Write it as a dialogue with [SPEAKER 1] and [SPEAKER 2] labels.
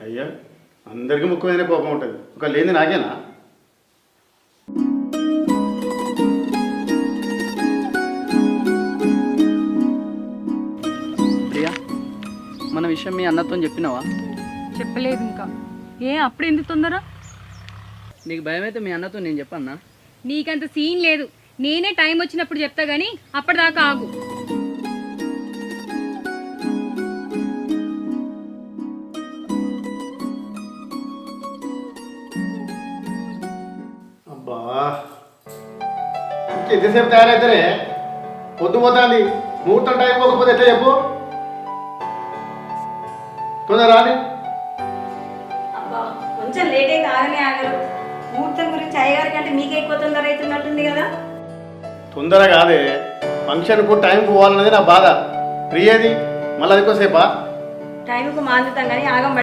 [SPEAKER 1] అయ్యా అందరికీ ముక్కు మీదనే కోపం ఉంటుంది, ఒక లేని నాకేనా?
[SPEAKER 2] ప్రియా, మన విషయం మీ అన్నతో చెప్పినావా?
[SPEAKER 3] చెప్పలేదు ఇంకా. అప్పుడు ఎందుకు తొందర?
[SPEAKER 2] నీకు భయం అయితే మీ అన్నతో నేను చెప్పన్నా.
[SPEAKER 3] నీకంత సీన్ లేదు, నేనే టైం వచ్చినప్పుడు చెప్తా గానీ అప్పటిదాకా ఆగు.
[SPEAKER 1] అబ్బా ఎంతసేపు తయారైతేనే పొద్దు పోతుంది, ముహూర్తం టైం పోకపోతే ఎట్లా చెప్పు? తొందర రాని.
[SPEAKER 4] అబ్బా కొంచెం లేట్ అయితే ఆగనే ఆగరు. ముహూర్తం గురించి అయ్యగారి కంటే మీకే ఎక్కువ తొందర అవుతున్నట్టుంది కదా.
[SPEAKER 1] తొందర కాదే, ఫంక్షన్కు టైం పోవాలన్నది నా బాధ. ఫ్రీ ఏది మళ్ళీ అదికోసేపా?
[SPEAKER 4] టైంకు మాందుతాం కానీ ఆగం